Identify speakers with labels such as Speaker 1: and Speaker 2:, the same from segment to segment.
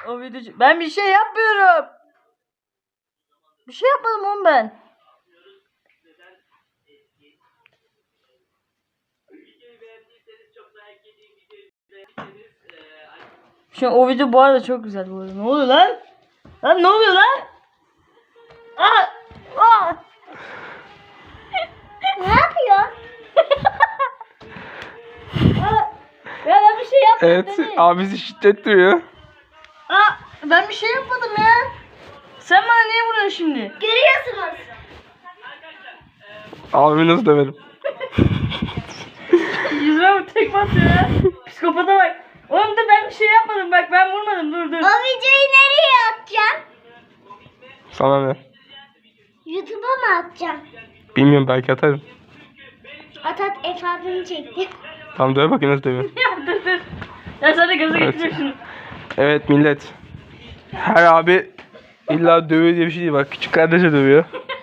Speaker 1: O video... Ben bir şey yapmıyorum. Bir şey yapmadım oğlum ben. Şu an o video bu arada çok güzel bu arada. Ne oluyor lan? Lan ne oluyor lan? Aa! Aa!
Speaker 2: Ne yapıyorsun?
Speaker 1: Ya ben bir şey yapmadım.
Speaker 3: Evet,
Speaker 1: Deniz.
Speaker 3: abisi şiddet duyuyor.
Speaker 1: Aa, ben bir şey yapmadım ya. Sen bana niye vuruyorsun şimdi?
Speaker 2: Görüyorsunuz.
Speaker 3: Abimi nasıl döverim?
Speaker 1: Yüzüme bu tekme atıyor ya. Psikopata bak. Oğlum da ben bir şey yapmadım. Bak ben vurmadım. Dur.
Speaker 2: O videoyu nereye atacağım?
Speaker 3: Sana ne?
Speaker 2: YouTube'a mı atacağım?
Speaker 3: Bilmiyorum, belki atarım.
Speaker 2: At Efe abimi çekti.
Speaker 3: Tamam, döve bakayım nasıl dövüyor.
Speaker 1: Ya dur. Ya sen de gaza
Speaker 3: Evet.
Speaker 1: getiriyor şunu.
Speaker 3: Evet millet. Her abi illa dövüyor diye bir şey değil, bak küçük kardeşe dövüyor.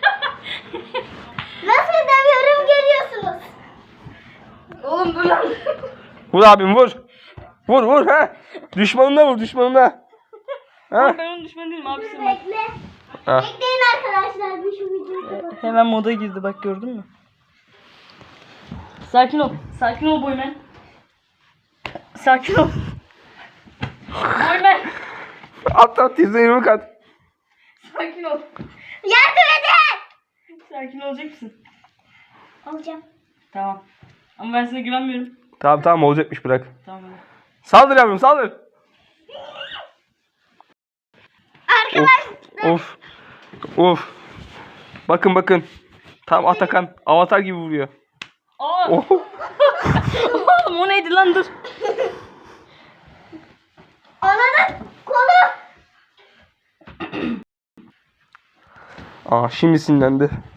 Speaker 2: Nasıl dövüyorum görüyorsunuz.
Speaker 1: Oğlum dur lan.
Speaker 3: Vur abim, vur. Vur ha. Düşmanına vur, düşmanına. Ha?
Speaker 1: Ben onun düşmanı değilim abisi bak.
Speaker 2: Bekle.
Speaker 3: Ha.
Speaker 2: Bekleyin arkadaşlar. Bir şu videoyu kapatayım.
Speaker 1: Hemen moda girdi bak gördün mü? Sakin ol. Sakin ol boymen. Sakin ol. Boymen.
Speaker 3: At yüzüne at.
Speaker 1: Sakin ol.
Speaker 2: Yardım edin.
Speaker 1: Sakin olacak mısın?
Speaker 2: Olacağım.
Speaker 1: Tamam. Ama ben sana güvenmiyorum.
Speaker 3: Tamam olacakmış, bırak.
Speaker 1: Tamam hadi.
Speaker 3: Saldır yavrum, saldır.
Speaker 2: Arkadaşlar.
Speaker 3: Of. Bakın. Tam Atakan avatar gibi vuruyor.
Speaker 1: Aa!
Speaker 3: Oh.
Speaker 1: Oğlum o neydi lan dur.
Speaker 2: Ananın kolu.
Speaker 3: Aa, şimdi sinirlendi.